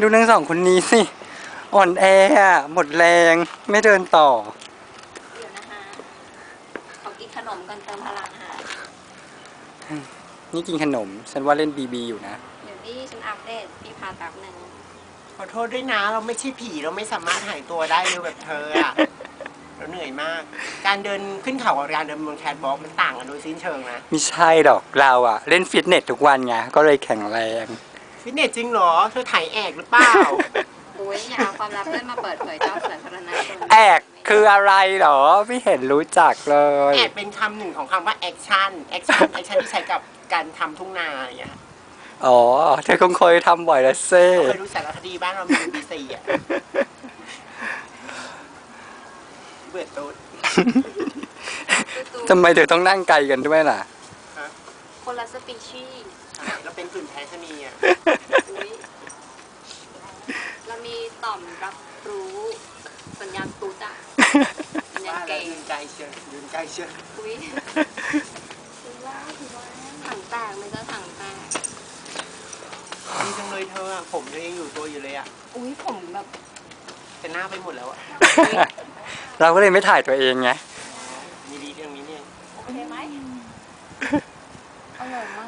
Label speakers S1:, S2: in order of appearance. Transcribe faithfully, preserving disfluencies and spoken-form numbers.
S1: ดูทั้งสองคนนี้สิอ่อนแออะหมดแรงไม่เดินต่อ
S2: เดี๋ยวนะคะขอกินขนมก่อนเติมพลังค่ะ
S1: นี่กินขนมฉันว่าเล่นบีบีอยู่นะ
S2: เดี๋ยวนี่ฉันอัปเดตพี่พาตับหนึ่ง
S3: ขอโทษด้วยนะเราไม่ใช่ผีเราไม่สามารถหายตัวได้เร็วแบบเธออะเราเหนื่อยมาก การเดินขึ้นเขากับการเดินบนแคทบอล์กมันต่างกันโดยสิ้นเชิงนะ
S1: ไม่ใช่หรอกเราอะเล่นฟิตเนสทุกวันไงก็เลยแข็งแรง
S3: ฟิตเนสจริงเหรอเธอถ่ายแอกหรือเปล่า
S2: อุ้ยอย่าเอาความลับเพื่อนมาเปิดเผยเจ้าสาธารณชน
S1: แอกคืออะไรหรอไม่เห็นรู้จักเลย
S3: แอกเป็นคำหนึ่งของคำว่าแอคชั่นแอคชั่นแอคชั่นที่ใช้กับการทำทุ่งนาอย่างเงี้ย
S1: อ๋อเธอคงเคยทำบ่อยแล้วเซ่
S3: เคยดูสารคดีบ้านเรามีบีซีอ่ะเบื่อตุ๊ด
S1: ทำไมเธอต้องนั่งไกลกันด้วยล่ะ
S2: คนละสปีชีส์
S3: เราเป็นกลุ่มแพชนีอ่ะ
S2: เรามีต่อมรับรู้สัญญาณตูดอะสัญญาณเกย์
S3: ยืนไกลเชียวยืนไกลเชียว
S2: อุ้ยถือว่าถือว่าถังแตกไม่จะถังแตก
S3: ดีจังเลยเธออ่ะผมเธอยังอยู่ตัวอยู่เลยอ่ะ
S2: อุ้ยผมแบบ
S3: แต่หน้าไปหมดแล้วอ่ะ
S1: เราก็เลยไม่ถ่ายตัวเองไง
S3: มีดีเรื่องนี้เนี่ย
S2: โอเคไหมอร่อยม